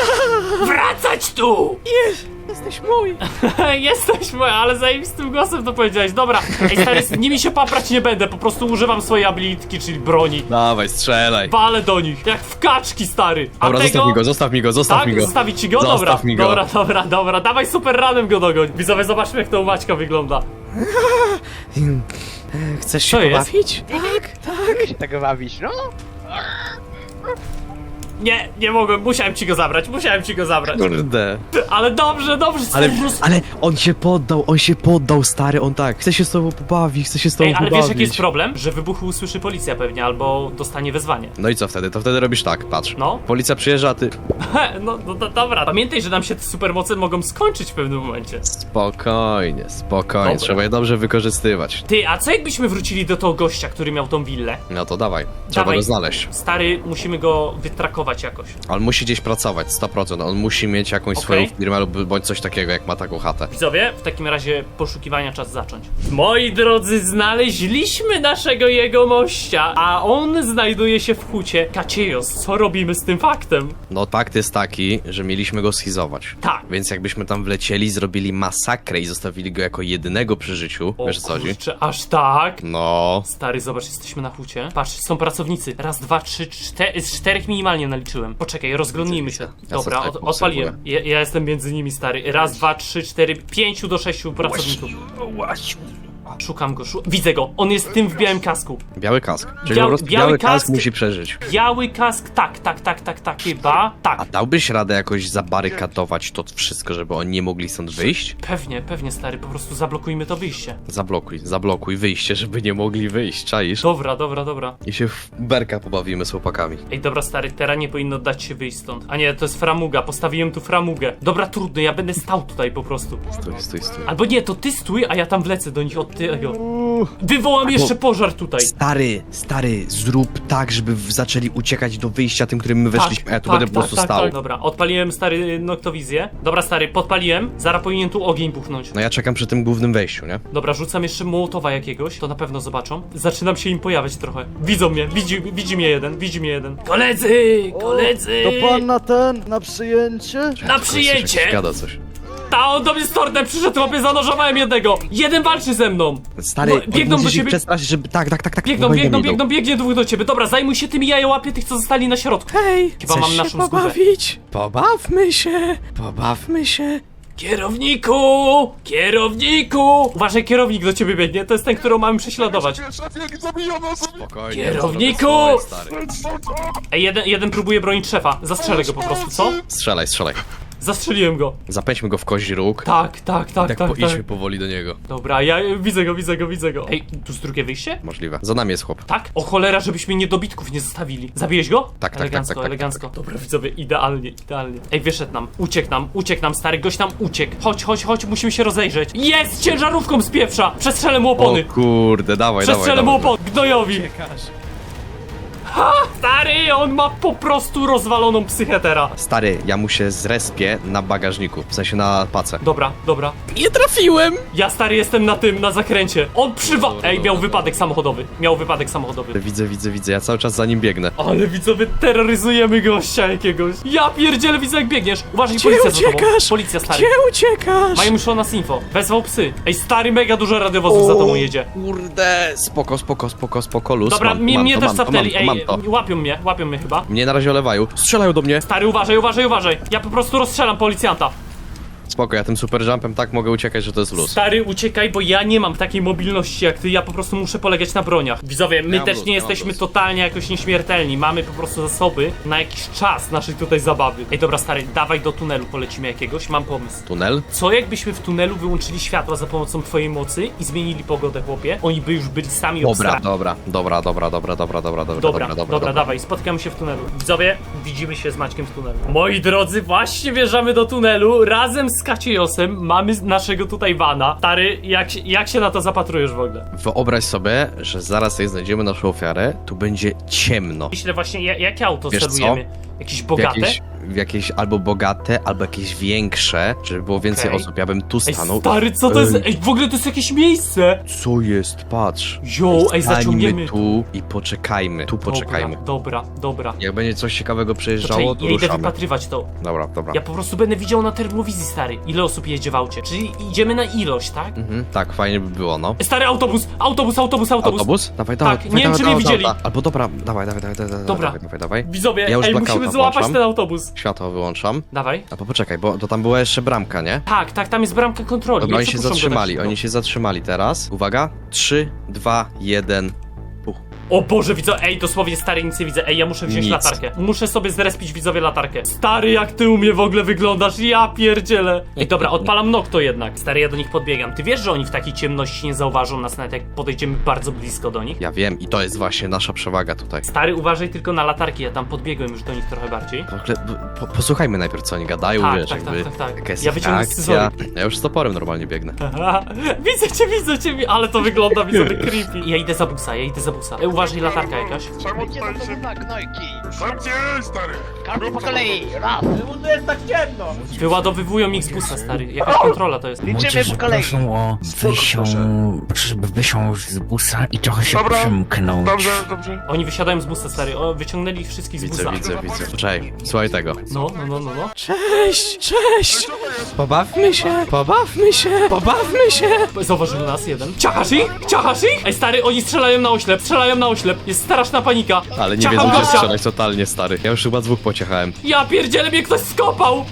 Speaker 1: Wracać tu!
Speaker 2: Jesteś mój.
Speaker 1: Jesteś moja, ale zajebistym głosem to powiedziałeś. Dobra, ej, stary, z nimi się paprać nie będę, po prostu używam swojej abilitki, czyli broni.
Speaker 2: Dawaj, strzelaj.
Speaker 1: Walę do nich, jak w kaczki, stary. A
Speaker 2: Dobra,
Speaker 1: tego...
Speaker 2: zostaw mi go, zostaw mi go, zostaw
Speaker 1: Tak?
Speaker 2: mi go.
Speaker 1: Zostawić ci go?
Speaker 2: Zostaw
Speaker 1: Dobra,
Speaker 2: mi go.
Speaker 1: dobra, dobra, dobra. Dawaj super ranem go dogoń. Widzowie, zobaczmy jak to u Maćka wygląda.
Speaker 2: Chcesz
Speaker 1: Co jest?
Speaker 4: Tak się tego bawisz, no?
Speaker 1: Nie, nie mogłem, musiałem ci go zabrać, musiałem ci go zabrać.
Speaker 2: Kurde.
Speaker 1: Ale dobrze, dobrze,
Speaker 2: Ale,
Speaker 1: stary, roz...
Speaker 2: ale on się poddał, on się poddał, stary, on tak. Chce się z tobą pobawić, chce się z tobą
Speaker 1: Ej, ale
Speaker 2: pobawić.
Speaker 1: wiesz jaki jest problem? Że wybuchu usłyszy policja pewnie, albo dostanie wezwanie.
Speaker 2: No i co wtedy? To wtedy robisz tak, patrz.
Speaker 1: No.
Speaker 2: Policja przyjeżdża, a ty...
Speaker 1: He, no, no, no dobra, pamiętaj, że nam się te supermoce mogą skończyć w pewnym momencie.
Speaker 2: Spokojnie, spokojnie,
Speaker 1: Dobra.
Speaker 2: trzeba je dobrze wykorzystywać.
Speaker 1: Ty, a co jakbyśmy wrócili do tego gościa, który miał tą willę?
Speaker 2: No to dawaj, trzeba
Speaker 1: Dawaj.
Speaker 2: go znaleźć.
Speaker 1: Stary, musimy go wytrakować jakoś.
Speaker 2: On musi gdzieś pracować, sto procent. On musi mieć jakąś
Speaker 1: Okej.
Speaker 2: swoją firmę lub bądź coś takiego, jak ma taką chatę.
Speaker 1: Widzowie, w takim razie poszukiwania czas zacząć. Moi drodzy, znaleźliśmy naszego jegomościa, a on znajduje się w hucie. Kaciejos, co robimy z tym faktem?
Speaker 2: No fakt jest taki, że mieliśmy go schizować.
Speaker 1: Tak.
Speaker 2: Więc jakbyśmy tam wlecieli, zrobili masakrę i zostawili go jako jedynego przy życiu.
Speaker 1: O
Speaker 2: Wiesz o co chodzi?
Speaker 1: kurczę, aż tak?
Speaker 2: No.
Speaker 1: Stary, zobacz, jesteśmy na hucie. Patrz, są pracownicy. Raz, dwa, trzy, cztery, z czterech minimalnie naliczyłem. Poczekaj, rozglądnijmy się.
Speaker 2: Ja
Speaker 1: Dobra,
Speaker 2: sobie
Speaker 1: od,
Speaker 2: tak
Speaker 1: odpaliłem. Ja, ja jestem między nimi, stary. Raz, dwa, trzy, cztery, pięciu do sześciu pracowników. Szukam go, szu... widzę go. On jest tym w białym kasku.
Speaker 2: Biały kask. Czyli
Speaker 1: Biał-
Speaker 2: po prostu
Speaker 1: biały
Speaker 2: biały kask,
Speaker 1: kask-
Speaker 2: musi przeżyć.
Speaker 1: Biały kask, tak, tak, tak, tak, tak, chyba. Tak.
Speaker 2: A dałbyś radę jakoś zabarykadować to wszystko, żeby oni nie mogli stąd wyjść?
Speaker 1: Pewnie, pewnie, stary, po prostu zablokujmy to wyjście.
Speaker 2: Zablokuj, zablokuj wyjście, żeby nie mogli wyjść, czaisz?
Speaker 1: Dobra, dobra, dobra.
Speaker 2: I się w berka pobawimy z chłopakami.
Speaker 1: Ej, dobra, stary, teraz nie powinno dać się wyjść stąd. A nie, to jest framuga, postawiłem tu framugę. Dobra, trudno, ja będę stał tutaj po prostu.
Speaker 2: Stój, stój, stój.
Speaker 1: Albo nie, to ty stój, a ja tam wlecę do nich od tego. Wywołam jeszcze pożar tutaj.
Speaker 2: Stary, stary, zrób tak, żeby w- zaczęli uciekać do wyjścia tym, którym my weszliśmy, a ja tu będę po prostu stał.
Speaker 1: tak. Dobra, odpaliłem, stary, noktowizję. Dobra, stary, podpaliłem. Zaraz powinien tu ogień buchnąć.
Speaker 2: No ja czekam przy tym głównym wejściu, nie?
Speaker 1: Dobra, rzucam jeszcze mołotowa jakiegoś, to na pewno zobaczą. Zaczynam się im pojawiać trochę. Widzą mnie, widzi, widzi mnie jeden, widzi mnie jeden. Koledzy, koledzy!
Speaker 7: To pan na ten, na przyjęcie?
Speaker 1: Na przyjęcie!
Speaker 2: Gada coś.
Speaker 1: Ta, on do mnie z tortem przyszedł, łapie, zanożowałem jednego. Jeden walczy ze mną.
Speaker 2: Stary,
Speaker 1: No, biegną do
Speaker 2: musisz ich
Speaker 1: ciebie.
Speaker 2: przestraszyć, żeby... Tak, tak, tak, tak.
Speaker 1: Biegną,
Speaker 2: powoli
Speaker 1: biegną,
Speaker 2: idą.
Speaker 1: biegną, biegnie dwóch do ciebie. Dobra, zajmuj się tymi jajołapie tych, co zostali na środku.
Speaker 2: Hej,
Speaker 1: Chyba mam naszą skórę.
Speaker 2: Pobawmy się, pobawmy się.
Speaker 1: Kierowniku! Kierowniku! Uważaj, kierownik do ciebie biegnie, to jest ten, którego mamy prześladować.
Speaker 2: Spokojnie.
Speaker 1: Kierowniku!
Speaker 2: Stary.
Speaker 1: Ej, jeden, jeden próbuje bronić szefa. Zastrzelę go po prostu, co?
Speaker 2: Strzelaj, strzelaj.
Speaker 1: Zastrzeliłem go.
Speaker 2: Zapędźmy go w kozi róg.
Speaker 1: Tak, tak, tak,
Speaker 2: Tak,
Speaker 1: tak,
Speaker 2: po, idźmy
Speaker 1: tak.
Speaker 2: powoli do niego.
Speaker 1: Dobra, ja e, widzę go, widzę go, widzę go. Ej, tu jest drugie wyjście?
Speaker 2: Możliwe. Za nami jest chłop.
Speaker 1: Tak? O cholera, żebyśmy niedobitków nie zostawili. Zabiłeś go?
Speaker 2: Tak, tak,
Speaker 1: elegancko,
Speaker 2: tak, tak, tak,
Speaker 1: elegancko. Dobra, widzowie, idealnie, idealnie. Ej, wyszedł nam, uciekł nam, uciekł nam, stary gość nam uciekł. Chodź, chodź, chodź, musimy się rozejrzeć. Jest! Ciężarówką z pieprza! Przestrzelę mu opony!
Speaker 2: O kurde, dawaj, dawaj,
Speaker 1: Przestrzelę mu
Speaker 2: dawaj.
Speaker 1: opony, gnojowi! Ha! Stary, on ma po prostu rozwaloną psychetera.
Speaker 2: Stary, ja mu się zrespię na bagażniku, w sensie na pace.
Speaker 1: Dobra, dobra.
Speaker 2: Nie trafiłem!
Speaker 1: Ja, stary, jestem na tym, na zakręcie. On przywa...
Speaker 2: Dobra,
Speaker 1: Ej,
Speaker 2: dobra,
Speaker 1: miał
Speaker 2: dobra.
Speaker 1: wypadek samochodowy. Miał wypadek samochodowy.
Speaker 2: Widzę, widzę, widzę, ja cały czas za nim biegnę.
Speaker 1: Ale widzowie, terroryzujemy gościa jakiegoś. Ja pierdzielę, widzę jak biegniesz. Uważaj,
Speaker 2: Gdzie
Speaker 1: policja za tobą.
Speaker 2: uciekasz?
Speaker 1: Policja, stary.
Speaker 2: Gdzie uciekasz?
Speaker 1: Mają już o nas info. Wezwał psy. Ej, stary, mega dużo radiowozów za tobą jedzie.
Speaker 2: Kurde, spoko, spoko, spoko, spoko, luz.
Speaker 1: Dobra,
Speaker 2: mam,
Speaker 1: mnie,
Speaker 2: mam
Speaker 1: mnie
Speaker 2: to,
Speaker 1: też
Speaker 2: mam to,
Speaker 1: zapnęli.
Speaker 2: mam to,
Speaker 1: Ej,
Speaker 2: mam to.
Speaker 1: łapią mnie, łapią mnie chyba.
Speaker 2: Mnie na razie olewają. Strzelają do mnie.
Speaker 1: Stary, uważaj, uważaj, uważaj. Ja po prostu rozstrzelam policjanta.
Speaker 2: Spoko, ja tym super jumpem tak mogę uciekać, że to jest luz.
Speaker 1: Stary, uciekaj, bo ja nie mam takiej mobilności jak ty, ja po prostu muszę polegać na broniach. Widzowie, my
Speaker 2: mam
Speaker 1: też
Speaker 2: luz,
Speaker 1: nie
Speaker 2: ja mam
Speaker 1: jesteśmy
Speaker 2: luz.
Speaker 1: totalnie jakoś nieśmiertelni, mamy po prostu zasoby na jakiś czas naszej tutaj zabawy. Ej, dobra, stary, dawaj do tunelu polecimy jakiegoś, mam pomysł.
Speaker 2: Tunel?
Speaker 1: Co jakbyśmy w tunelu wyłączyli światła za pomocą twojej mocy i zmienili pogodę, chłopie? Oni by już byli sami
Speaker 2: Dobra,
Speaker 1: obstrani.
Speaker 2: dobra, dobra, dobra, dobra, dobra, dobra, dobra,
Speaker 1: Dobra, dobra, dawaj, spotykamy się w tunelu. Widzowie, widzimy się z Maćkiem w tunelu. Moi drodzy, właśnie wjeżdżamy do tunelu razem z Kaciejosem. Mamy naszego tutaj vana. Stary, jak, się- jak się na to zapatrujesz w ogóle?
Speaker 2: Wyobraź sobie, że zaraz jak znajdziemy naszą ofiarę, tu będzie ciemno.
Speaker 1: Myślę właśnie, ja- jakie auto
Speaker 2: Wiesz co?
Speaker 1: celujemy? Jakieś
Speaker 2: W
Speaker 1: bogate?
Speaker 2: jakieś, w jakieś albo bogate, albo jakieś większe, żeby było więcej
Speaker 1: Okej.
Speaker 2: osób. Ja bym tu
Speaker 1: Ej,
Speaker 2: stanął.
Speaker 1: stary, co to jest?
Speaker 2: Ej.
Speaker 1: Ej, w ogóle to jest jakieś miejsce!
Speaker 2: Co jest? Patrz.
Speaker 1: Jo, ej,
Speaker 2: Stańmy
Speaker 1: zaciągniemy.
Speaker 2: tu i poczekajmy. Tu poczekajmy.
Speaker 1: Dobra, dobra, dobra.
Speaker 2: Jak będzie coś ciekawego
Speaker 1: Czekaj,
Speaker 2: przejeżdżało, to
Speaker 1: ja idę
Speaker 2: ruszamy.
Speaker 1: wypatrywać to.
Speaker 2: Dobra, dobra.
Speaker 1: Ja po prostu będę widział na termowizji, stary, ile osób jedzie w aucie. Czyli idziemy na ilość, tak?
Speaker 2: Mhm, tak, fajnie by było, no.
Speaker 1: Stary, autobus, autobus, autobus, autobus.
Speaker 2: Autobus? Dawaj, dawaj,
Speaker 1: Tak,
Speaker 2: dawaj,
Speaker 1: nie wiem,
Speaker 2: dawaj,
Speaker 1: czy mnie
Speaker 2: dawaj,
Speaker 1: widzieli.
Speaker 2: dawaj. Albo dobra, dawaj, dawaj, dawaj, dawaj,
Speaker 1: Dobra.
Speaker 2: dawaj, dawaj, dawaj.
Speaker 1: Widzowie,
Speaker 2: Ja już
Speaker 1: ej,
Speaker 2: blackouta
Speaker 1: musimy złapać
Speaker 2: włączam.
Speaker 1: ten autobus.
Speaker 2: Światło wyłączam.
Speaker 1: Dawaj.
Speaker 2: A po poczekaj, bo to tam była jeszcze bramka, nie?
Speaker 1: Tak, tak, tam jest bramka kontroli.
Speaker 2: Dobra,
Speaker 1: Nie
Speaker 2: oni się
Speaker 1: przepuszczą go tak
Speaker 2: zatrzymali,
Speaker 1: szybko.
Speaker 2: oni się zatrzymali teraz. Uwaga, trzy, dwa, jeden. Puch.
Speaker 1: O Boże, widzę, ej, dosłownie stary, nic nie widzę. Ej, ja muszę wziąć
Speaker 2: Nic.
Speaker 1: latarkę. Muszę sobie zrespić widzowie latarkę. Stary, jak ty u mnie w ogóle wyglądasz, ja pierdzielę. Ej, dobra, odpalam Nocto jednak. Stary, ja do nich podbiegam. Ty wiesz, że oni w takiej ciemności nie zauważą nas, nawet jak podejdziemy bardzo blisko do nich?
Speaker 2: Ja wiem i to jest właśnie nasza przewaga tutaj.
Speaker 1: Stary, uważaj tylko na latarki, ja tam podbiegłem już do nich trochę bardziej.
Speaker 2: W ogóle, po, posłuchajmy najpierw co oni gadają,
Speaker 1: Tak,
Speaker 2: wiesz,
Speaker 1: tak,
Speaker 2: jakby
Speaker 1: tak, tak, tak.
Speaker 2: jaka jest
Speaker 1: Ja wyciągnę
Speaker 2: akcja. Ja już z toporem normalnie biegnę.
Speaker 1: Aha, widzę cię, widzę cię, ale to wygląda mi sobie creepy. Ja idę za busa, ja idę za busa. Ej, uważaj, latarka jakaś.
Speaker 4: Każdy po kolei, raz.
Speaker 6: Czemu tu jest tak ciemno?
Speaker 1: Wyładowywują ich z busa, stary. Jakaś kontrola to jest.
Speaker 4: Liczymy po kolei.
Speaker 8: Proszę o wysią, żeby wysiąść z busa i trochę się
Speaker 9: Dobra.
Speaker 8: przymknąć.
Speaker 9: Dobrze, dobrze.
Speaker 1: Oni wysiadają z busa, stary. O, wyciągnęli ich wszystkich z
Speaker 2: Widzę,
Speaker 1: busa.
Speaker 2: widzę, widzę. Czekaj, słuchaj tego.
Speaker 1: No, no, no, no, no.
Speaker 2: Cześć, cześć! Pobawmy się, pobawmy się, pobawmy się!
Speaker 1: Zauważył nas jeden. Ciachasz ich? Ciachasz ich? Ej, stary, oni strzelają na oślep, strzelają na oślep. Jest straszna panika.
Speaker 2: Ale nie
Speaker 1: Ciacham
Speaker 2: wiedzą, gdzie
Speaker 1: gościa.
Speaker 2: strzelać totalnie, stary. Ja już chyba dwóch pociechałem.
Speaker 1: Ja pierdzielę, mnie ktoś skopał!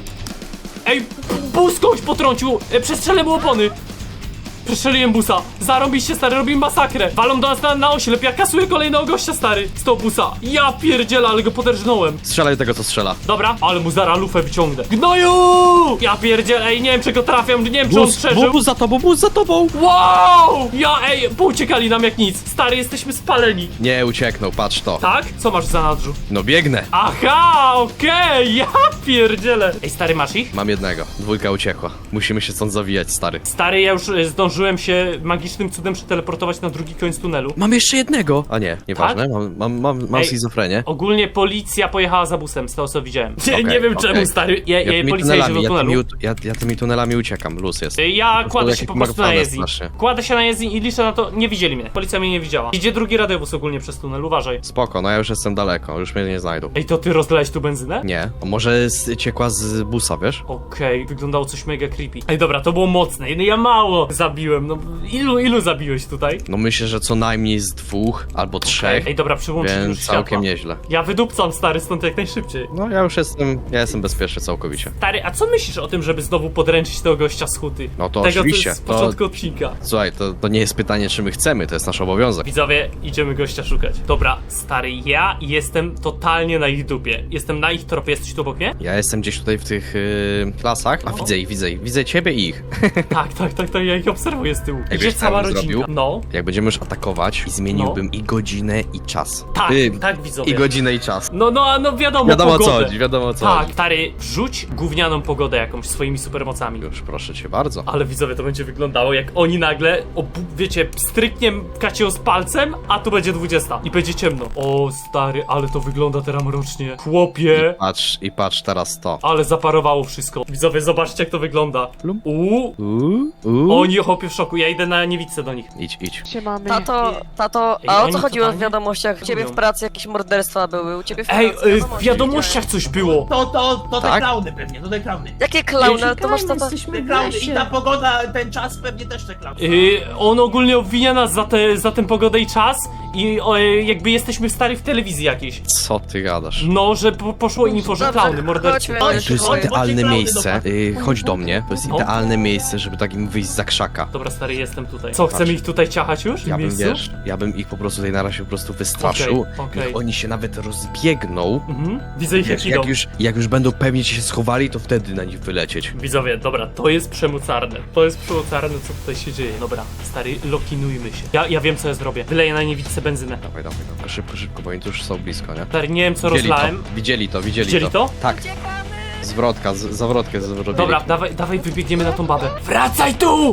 Speaker 1: Ej, bus kogoś potrącił! E, Przestrzelę mu opony! Przestrzeliłem busa! Zarąbiście, stary, robimy masakrę! Walą do nas na, na oślep, ja kasuję kolejnego gościa, stary! Z tego busa! Ja pierdzielę, ale go poderżnąłem!
Speaker 2: Strzelaj do tego, co strzela.
Speaker 1: Dobra, ale mu zara lufę wyciągnę. Gnoju! Ja pierdzielę, ej, nie wiem, czy go trafiam, nie wiem, czy on przeżył.
Speaker 2: bus za tobą, bus za tobą!
Speaker 1: Wow! Ja, ej, pouciekali nam jak nic. Stary, jesteśmy spaleni.
Speaker 2: Nie ucieknął, patrz to.
Speaker 1: Tak? Co masz w zanadrzu?
Speaker 2: No biegnę.
Speaker 1: Aha, okej, ja pierdzielę. Ej, stary, masz ich?
Speaker 2: Mam jednego, dwójka uciekła. Musimy się stąd zawijać, stary.
Speaker 1: Stary, ja już e, zdążyłem się magicznym cudem przeteleportować na drugi koniec tunelu.
Speaker 2: Mam jeszcze jednego! A nie, nieważne, mam, mam, mam, mam
Speaker 1: Ej.
Speaker 2: schizofrenię.
Speaker 1: Ogólnie policja pojechała za busem, z tego co widziałem. Nie,
Speaker 2: Okej,
Speaker 1: nie wiem
Speaker 2: okej.
Speaker 1: czemu, stary. Ja, ja,
Speaker 2: tymi
Speaker 1: policja jedzie do
Speaker 2: tunelami, ja,
Speaker 1: tunelu.
Speaker 2: tymi, ja, ja tymi tunelami uciekam, luz jest.
Speaker 1: E, Ja kładę się
Speaker 2: jakieś
Speaker 1: po prostu na
Speaker 2: martwane
Speaker 1: jezdni.
Speaker 2: strasznie.
Speaker 1: Kładę się na jezdni i liczę na to, nie widzieli mnie. Policja mnie nie widziała. Idzie drugi radiowóz ogólnie przez tunel, uważaj.
Speaker 2: Spoko, no ja już jestem daleko, już mnie nie znajdą.
Speaker 1: Ej, to ty rozlałeś tu benzynę?
Speaker 2: Nie, a może z, ciekła z busa, wiesz?
Speaker 1: Okej, wyglądało coś mega creepy. Ej, dobra, to było mocne. No ja mało zabiłem, no ilu, ilu zabiłeś tutaj?
Speaker 2: No myślę, że co najmniej z dwóch albo trzech,
Speaker 1: Ej, dobra, przyłączyli już
Speaker 2: więc całkiem
Speaker 1: światła.
Speaker 2: nieźle.
Speaker 1: Ja wydupcam, stary, stąd jak najszybciej.
Speaker 2: No ja już jestem, ja jestem bezpieczny całkowicie.
Speaker 1: Stary, a co myślisz o tym, żeby znowu podręczyć tego gościa z huty?
Speaker 2: No to
Speaker 1: tego,
Speaker 2: oczywiście,
Speaker 1: z
Speaker 2: to-
Speaker 1: początku odcinka.
Speaker 2: Słuchaj, to, to nie jest pytanie, czy my chcemy, to jest nasz obowiązek.
Speaker 1: Widzowie, idziemy gościa szukać. Dobra, stary, ja jestem totalnie na ich dupie. Jestem na ich tropie, jesteś tu obok mnie?
Speaker 2: Ja jestem gdzieś tutaj w tych yy, klasach, a widzę ich, widzę ich, widzę ciebie i ich.
Speaker 1: Tak, tak, tak, tak, ja ich obserwuję z tyłu.
Speaker 2: Ej,
Speaker 1: Idzie
Speaker 2: wiesz, co
Speaker 1: cała
Speaker 2: ja bym
Speaker 1: rodzinka.
Speaker 2: zrobił?
Speaker 1: No,
Speaker 2: Jak będziemy już atakować, i zmieniłbym i godzinę, i czas.
Speaker 1: tak,
Speaker 2: Yy,
Speaker 1: tak, widzowie.
Speaker 2: I godzinę, i czas.
Speaker 1: No, no, a no wiadomo,
Speaker 2: Wiadomo o co
Speaker 1: pogodę.
Speaker 2: chodzi, wiadomo o co
Speaker 1: Tak,
Speaker 2: chodzi.
Speaker 1: stary, wrzuć gównianą pogodę jakąś swoimi supermocami.
Speaker 2: Już proszę cię bardzo.
Speaker 1: Ale widzowie, to będzie wyglądało jak oni nagle, obu- wiecie, stryknie kacią z palcem, a tu będzie dwudziesta i będzie ciemno. O stary, ale to wygląda teraz mrocznie. Chłopie,
Speaker 2: Patrz, i patrz teraz to.
Speaker 1: ale zaparowało wszystko. Widzowie, zobaczcie jak to wygląda. Uuu,
Speaker 2: Uuu, uuu.
Speaker 1: oni chłopie w szoku, ja idę na niewidce do nich.
Speaker 2: Idź, idź.
Speaker 5: Tato, tato,
Speaker 1: Ej,
Speaker 5: a o
Speaker 1: oni
Speaker 5: co chodziło w
Speaker 1: totalnie
Speaker 5: wiadomościach? U ciebie w
Speaker 1: lubią.
Speaker 5: pracy jakieś morderstwa były, u ciebie w
Speaker 1: Ej,
Speaker 5: pracy
Speaker 1: y, w wiadomościach coś było.
Speaker 6: To, to, to te
Speaker 2: Tak?
Speaker 6: klauny pewnie, to te klauny.
Speaker 5: Jakie klauny, ale to masz tata...
Speaker 6: Te klauny i ta pogoda, ten czas pewnie też te klauny.
Speaker 1: Y, on ogólnie obwinia nas za, te, za tę pogodę i czas i o, y, jakby jesteśmy stary w telewizji jakiejś.
Speaker 2: Co ty gadasz?
Speaker 1: No, że po, poszło info, że
Speaker 5: Dobrze,
Speaker 1: klauny, mordercy.
Speaker 5: chodźmy.
Speaker 6: Chodź,
Speaker 2: To jest
Speaker 6: chodź,
Speaker 2: idealne
Speaker 6: chodźcie
Speaker 2: miejsce.
Speaker 6: klauny
Speaker 2: Y, chodź do mnie. To jest
Speaker 1: No.
Speaker 2: idealne miejsce, żeby takim wyjść za krzaka.
Speaker 1: Dobra, stary, jestem tutaj. Co, chcemy ich tutaj ciachać już? W tym
Speaker 2: Ja bym,
Speaker 1: miejscu?
Speaker 2: wiesz, ja bym ich po prostu tutaj na razie po prostu wystraszył.
Speaker 1: Okej, okej.
Speaker 2: Niech oni się nawet rozbiegną.
Speaker 1: Mhm. Widzę ich jak
Speaker 2: Wiesz,
Speaker 1: idą.
Speaker 2: jak już, jak już będą pewnie się schowali, to wtedy na nich wylecieć.
Speaker 1: Widzowie, dobra, to jest przemocarne. To jest przemocarne, co tutaj się dzieje. Dobra, stary, lokinujmy się. Ja, ja wiem, co ja zrobię. Wyleję na niewidce benzynę.
Speaker 2: Dawaj, dawaj, dawaj. Szybko, szybko, bo oni tu już są blisko, nie?
Speaker 1: Stary, nie wiem, co
Speaker 2: Widzieli
Speaker 1: rozlałem.
Speaker 2: to, widzieli to, widzieli,
Speaker 1: Widzieli to?
Speaker 2: Tak. Zwrotka, z, zawrotkę zrobili.
Speaker 1: Dobra, dawaj, dawaj, wybiegniemy na tą babę. Wracaj tu!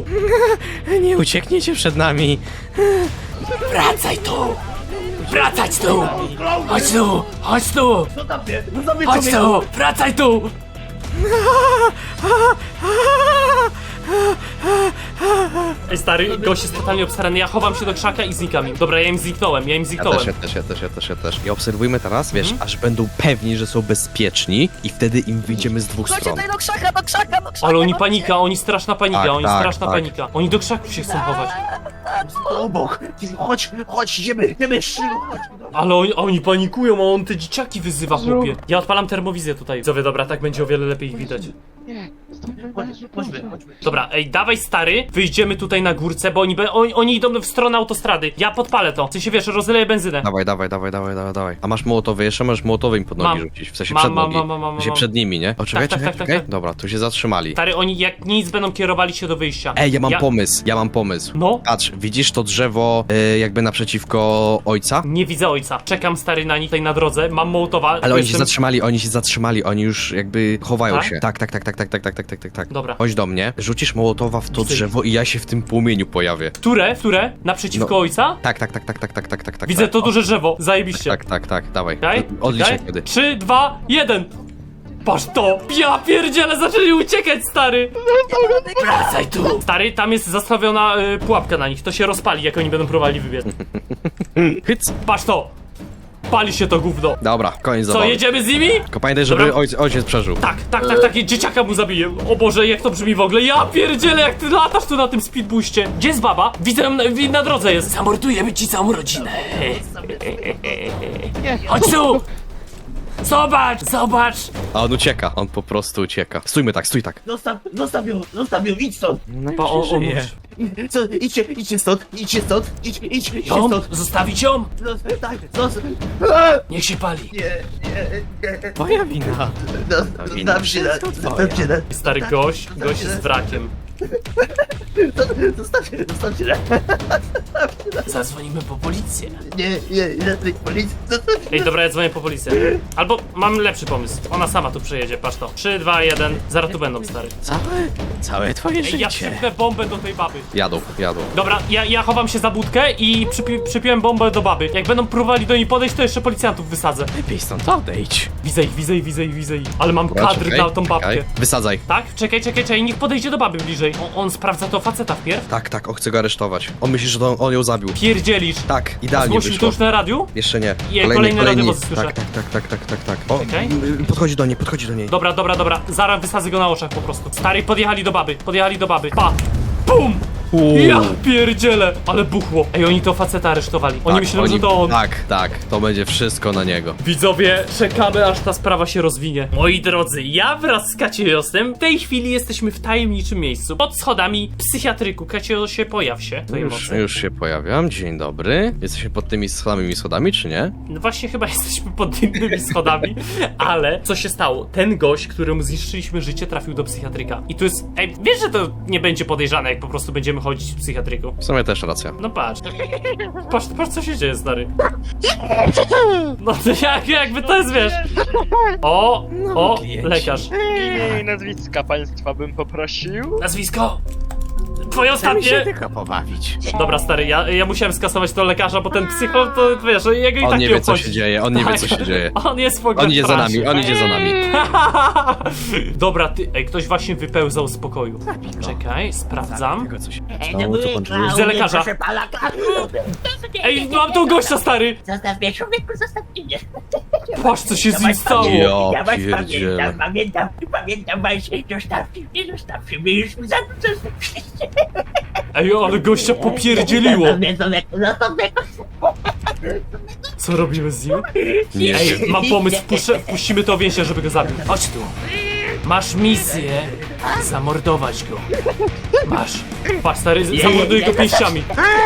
Speaker 2: Nie uciekniecie przed nami.
Speaker 1: Wracaj tu! Wracać tu! Chodź tu! Chodź tu!
Speaker 6: Co tam ty? No co wy
Speaker 1: Chodź tu! Wracaj tu! Ej stary, gość jest totalnie obstarany, ja chowam się do krzaka i znikam im. Dobra, ja im zniknąłem, ja im
Speaker 2: Ja
Speaker 1: zniknąłem.
Speaker 2: też, ja też, ja też, ja też, ja też. I obserwujmy teraz, wiesz, aż będą pewni, że są bezpieczni i wtedy im wyjdziemy z dwóch
Speaker 5: Chodźcie
Speaker 2: stron.
Speaker 5: tutaj do krzaka, do krzaka, do krzaka!
Speaker 1: Ale oni
Speaker 5: chodźcie.
Speaker 1: panika, oni straszna panika,
Speaker 2: Tak,
Speaker 1: oni
Speaker 2: tak,
Speaker 1: straszna
Speaker 2: tak.
Speaker 1: panika. Oni do krzaków się chcą chować.
Speaker 6: Obok. Chodź, chodź, idziemy, idziemy, szybko, chodź.
Speaker 1: Ale oni, oni panikują, a on te dzieciaki wyzywa, chłopie. Ja odpalam termowizję tutaj. Widzowie, dobra, tak będzie o wiele lepiej ich widać.
Speaker 6: Chodź, chodźmy, chodźmy.
Speaker 1: Dobra, ej, dawaj stary, wyjdziemy tutaj na górce, bo oni, be, oni, oni idą w stronę autostrady. Ja podpalę to. W sensie wiesz, rozleję benzynę.
Speaker 2: Dawaj, dawaj, dawaj, dawaj, dawaj, dawaj. A masz mołotowy jeszcze? Możesz mołotowy im pod nogi
Speaker 1: Mam.
Speaker 2: rzucić. W sensie
Speaker 1: Mam,
Speaker 2: przed
Speaker 1: mam,
Speaker 2: nogi.
Speaker 1: mam, mam, mam,
Speaker 2: W sensie
Speaker 1: mam.
Speaker 2: przed nimi, nie? O, czekaj,
Speaker 1: tak,
Speaker 2: czekaj,
Speaker 1: tak, tak,
Speaker 2: czekaj.
Speaker 1: tak.
Speaker 2: Dobra, tu się zatrzymali.
Speaker 1: Stary, oni jak nic będą kierowali się do wyjścia.
Speaker 2: Ej, ja mam pomysł, ja mam pomysł.
Speaker 1: No?
Speaker 2: Patrz, widzisz to drzewo y, jakby naprzeciwko ojca?
Speaker 1: Nie widzę ojca. Czekam stary na nich tutaj na drodze, mam mołotowa.
Speaker 2: Ale
Speaker 1: bo
Speaker 2: oni się
Speaker 1: jestem-
Speaker 2: zatrzymali, oni się zatrzymali, oni już jakby chowają
Speaker 1: Tak?
Speaker 2: się. Tak, tak, tak, tak, tak, tak, tak, tak, tak, tak, tak.
Speaker 1: Dobra.
Speaker 2: Chodź do mnie, rzucisz mołotowa w to
Speaker 1: Widzę.
Speaker 2: drzewo i ja się w tym płomieniu pojawię.
Speaker 1: Które? Które? Naprzeciwko
Speaker 2: No.
Speaker 1: ojca?
Speaker 2: Tak, tak, tak, tak, tak, tak, tak, tak, tak.
Speaker 1: Widzę
Speaker 2: tak.
Speaker 1: to duże drzewo. Zajebiście.
Speaker 2: Tak, tak, tak, dawaj.
Speaker 1: Czekaj,
Speaker 2: Odliczę
Speaker 1: czekaj.
Speaker 2: wtedy.
Speaker 1: Trzy, dwa, jeden. Patrz to! Ja pierdziele, zaczęli uciekać, stary! Wracaj tu! Stary, tam jest zastawiona y, pułapka na nich, to się rozpali, jak oni będą próbowali wybiec.
Speaker 2: Hyc!
Speaker 1: Patrz to! Pali się to gówno.
Speaker 2: Dobra, koniec
Speaker 1: Co,
Speaker 2: zabawy.
Speaker 1: jedziemy z nimi?
Speaker 2: Tylko pamiętaj, żeby
Speaker 1: Dobra.
Speaker 2: ojciec, ojciec przeżył.
Speaker 1: Tak, tak, tak, tak, dzieciaka mu zabiję. O Boże, jak to brzmi w ogóle. Ja pierdzielę, jak ty latasz tu na tym speedbooście. Gdzie jest baba? Widzę ją na, na drodze jest. Zamordujemy ci całą rodzinę. Chodź tu! Zobacz, zobacz!
Speaker 2: A on ucieka, on po prostu ucieka. Stójmy tak, stój tak.
Speaker 6: Zostaw, zostaw ją, zostaw ją, idź stąd.
Speaker 1: Pa, o, o,
Speaker 6: Co, idźcie, idźcie stąd, idźcie stąd, idź, idź, idźcie
Speaker 1: ją?
Speaker 6: stąd.
Speaker 1: Zostawić ją?
Speaker 6: Zostaw, tak, zostaw.
Speaker 1: Niech się pali.
Speaker 6: Nie, nie, nie.
Speaker 2: Moja wina.
Speaker 6: Zostaw się, zostaw się,
Speaker 1: Stary gość, gość jest wrakiem.
Speaker 6: zostaw się, zostaw się.
Speaker 1: Zadzwonimy po policję.
Speaker 6: Nie, nie, nie, policja, zostaw się.
Speaker 1: Ej, dobra, ja dzwonię po policję. Albo mam lepszy pomysł. Ona sama tu przyjedzie, patrz to. trzy, dwa, jeden. Zaraz tu będą, stary.
Speaker 2: Całe, całe twoje
Speaker 1: Ej, ja przypnę bombę do tej baby.
Speaker 2: Jadą, jadą.
Speaker 1: Dobra, ja, ja chowam się za budkę i przypi przypiłem bombę do baby. Jak będą próbowali do niej podejść, to jeszcze policjantów wysadzę.
Speaker 2: Lepiej stąd odejdź.
Speaker 1: Widzę ich, widzę ich, widzę ich, widzę ich. Ale mam
Speaker 2: Dobra,
Speaker 1: kadr
Speaker 2: czekaj,
Speaker 1: na tą babkę.
Speaker 2: czekaj. Wysadzaj.
Speaker 1: Tak? Czekaj, czekaj, czekaj, niech podejdzie do baby bliżej. O, on sprawdza to faceta wpierw.
Speaker 2: Tak, tak, on chce go aresztować. On myśli, że to on ją zabił.
Speaker 1: Pierdzielisz.
Speaker 2: Tak, idealnie
Speaker 1: Zgłosił to
Speaker 2: wyszło.
Speaker 1: już na radiu?
Speaker 2: Jeszcze nie.
Speaker 1: Je, kolejny radiowóz słyszę.
Speaker 2: Tak, tak, tak, tak, tak, tak, tak. O,
Speaker 1: Czekaj.
Speaker 2: y, podchodzi do niej, podchodzi do niej.
Speaker 1: Dobra, dobra, dobra. Zaraz wysadzę go na oczach po prostu. Stary, podjechali do baby, podjechali do baby. Pa! Bum!
Speaker 2: Uuu.
Speaker 1: Ja pierdzielę! Ale buchło. Ej, oni to faceta aresztowali. Oni
Speaker 2: Tak,
Speaker 1: myślą, że to on.
Speaker 2: Tak, tak, to będzie wszystko na niego.
Speaker 1: Widzowie, czekamy aż ta sprawa się rozwinie. Moi drodzy, ja wraz z Kaciosem w tej chwili jesteśmy w tajemniczym miejscu. Pod schodami psychiatryku. Kaciosie, pojaw się. Twojej
Speaker 2: Już,
Speaker 1: mocy.
Speaker 2: już się pojawiam, dzień dobry. Jesteśmy pod tymi samymi schodami, czy nie?
Speaker 1: No właśnie chyba jesteśmy pod innymi schodami. Ale co się stało? Ten gość, któremu zniszczyliśmy życie, trafił do psychiatryka. I tu jest... Ej, wiesz, że to nie będzie podejrzane, jak po prostu będziemy chodzić w psychiatryku.
Speaker 2: W sumie też racja.
Speaker 1: No patrz. Patrz, patrz co się dzieje, stary. No to jak, jakby to jest, wiesz. O, o, lekarz.
Speaker 9: Imię i nazwiska państwa bym poprosił.
Speaker 1: Nazwisko? Twoje ostatnie?
Speaker 2: tylko pobawić.
Speaker 1: Dobra, stary, ja, ja musiałem skasować to lekarza, bo ten psycholog, to wiesz, jego i
Speaker 2: On
Speaker 1: tak
Speaker 2: nie
Speaker 1: nie
Speaker 2: wie, co
Speaker 1: obchodzi.
Speaker 2: się dzieje, on nie wie,
Speaker 1: Tak.
Speaker 2: co się dzieje.
Speaker 1: On jest w ogóle
Speaker 2: On idzie
Speaker 1: w
Speaker 2: za
Speaker 1: transie.
Speaker 2: nami, on idzie za nami.
Speaker 1: Dobra, ty, ej, ktoś właśnie wypełzał z pokoju. Czekaj, sprawdzam.
Speaker 2: Co się
Speaker 6: Stało, co pan czuje?
Speaker 1: Widzę lekarza.
Speaker 6: Proszę pana,
Speaker 1: Ej, mam tą gościa, stary!
Speaker 6: zostaw mnie, człowieku, zostaw mnie.
Speaker 1: Patrz, co się z nim stało.
Speaker 2: Ja
Speaker 6: Ja was
Speaker 2: pierdzielę.
Speaker 6: pamiętam, pamiętam, pamiętam właśnie, zostawcie mnie, zostawcie mnie, już mi za dużo zostawcie.
Speaker 1: Ej, ale gościa popierdzieliło.
Speaker 6: Zostaw mnie, człowieku, zostaw mnie.
Speaker 1: Co robimy z nim?
Speaker 2: Nie
Speaker 1: Ej,
Speaker 2: wiem.
Speaker 1: mam pomysł, wpuszczę, wpuścimy to więźnia, żeby go zabił. Chodź tu. Masz misję zamordować go. Masz. Patrz, stary, z- zamorduj go pięściami.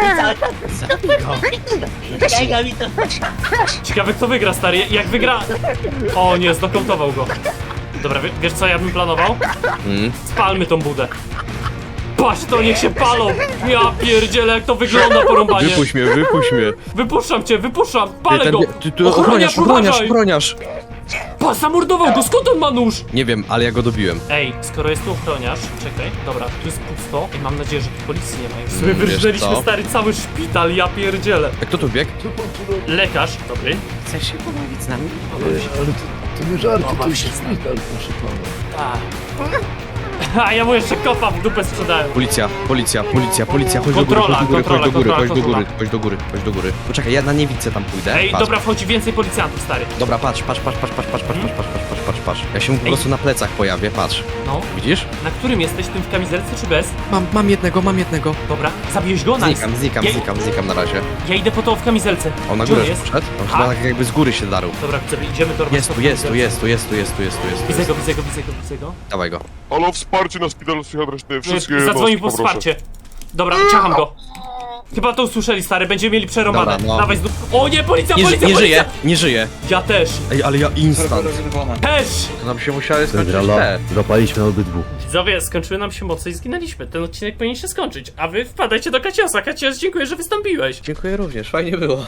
Speaker 6: Czekaj, mi to...
Speaker 1: Ciekawe, kto wygra, stary. Jak wygra... O nie, znokautował go. Dobra, wie- wiesz co ja bym planował?
Speaker 2: Mm.
Speaker 1: Spalmy tą budę. Patrz to, niech się palą. Ja pierdzielę, jak to wygląda porąbanie.
Speaker 2: Wypuść mnie, wypuść mnie.
Speaker 1: Wypuszczam cię, wypuszczam. Palę
Speaker 2: Ten-
Speaker 1: go.
Speaker 2: ty, ty, ochroniarz, ochroniarz, ochroniarz.
Speaker 1: Pa, zamordował go, skąd on ma nóż?
Speaker 2: Nie wiem, ale ja go dobiłem.
Speaker 1: Ej, skoro jest tu ochroniarz, czekaj, dobra, tu jest pusto i mam nadzieję, że tu policji nie ma. W sumie
Speaker 2: Mm, wiesz
Speaker 1: wyrżnęliśmy
Speaker 2: co?
Speaker 1: stary cały szpital, ja pierdzielę.
Speaker 2: A kto tu biegł?
Speaker 1: Lekarz, dobry.
Speaker 8: Chcesz się pobawić z nami?
Speaker 4: Ale to, to nie żarty, to jest szpital, proszę pana.
Speaker 1: Tak. A ja mu jeszcze kopa w dupę sprzedałem.
Speaker 2: Policja, policja, policja, policja, chodź
Speaker 1: Kontrola,
Speaker 2: do góry, chodź do góry,
Speaker 1: kontrola,
Speaker 2: chodź do góry,
Speaker 1: kontrola,
Speaker 2: chodź do góry, chodź do góry, chodź do góry. Poczekaj, ja na niewidce tam pójdę.
Speaker 1: Ej,
Speaker 2: Patrz.
Speaker 1: dobra, wchodzi więcej policjantów, stary.
Speaker 2: Dobra, patrz, patrz, patrz, patrz, patrz, patrz, patrz, patrz, patrz, patrz, patrz, patrz. Ja się mu po
Speaker 1: Ej.
Speaker 2: prostu na plecach pojawię, patrz.
Speaker 1: No,
Speaker 2: Widzisz?
Speaker 1: na którym jesteś, tym w kamizelce czy bez?
Speaker 2: Mam, mam jednego, mam jednego.
Speaker 1: Dobra, zabiłeś go? Nice.
Speaker 2: Znikam, znikam,
Speaker 1: ja,
Speaker 2: znikam, znikam na razie.
Speaker 1: Ja idę po to w kamizelce.
Speaker 2: On na
Speaker 1: Gdzie
Speaker 2: górę
Speaker 1: on jest?
Speaker 2: poszedł? On
Speaker 1: A?
Speaker 2: chyba tak jakby z góry się darł.
Speaker 1: Dobra, widzę, idziemy do
Speaker 2: Jest tu, jest tu, jest tu, jest tu, jest tu, jest tu, jest tu,
Speaker 1: Widzę
Speaker 2: jest
Speaker 1: go,
Speaker 2: tu.
Speaker 1: widzę go, widzę go, widzę go.
Speaker 2: Dawaj go.
Speaker 10: Halo, wsparcie! wsparcie na szpital psychiatryczny, wszystkie
Speaker 1: Zadzwonił po
Speaker 10: jednostki, poproszę.
Speaker 1: wsparcie. Dobra, ciacham go. Chyba to usłyszeli, stary, będziemy mieli przerąbane.
Speaker 2: Dobra, no.
Speaker 1: Dawaj znów. O nie, policja,
Speaker 2: Nie,
Speaker 1: policja,
Speaker 2: nie
Speaker 1: policja!
Speaker 2: żyje, nie żyje.
Speaker 1: Ja też,
Speaker 2: Ej, ale ja instant.
Speaker 1: też!
Speaker 2: To nam się musiały skończyć te.
Speaker 7: Zapaliśmy obydwu.
Speaker 1: Widzowie, skończyły nam się moce i zginęliśmy. Ten odcinek powinien się skończyć. A wy wpadajcie do Kaciosa. Kacios, dziękuję, że wystąpiłeś.
Speaker 2: Dziękuję również, fajnie było.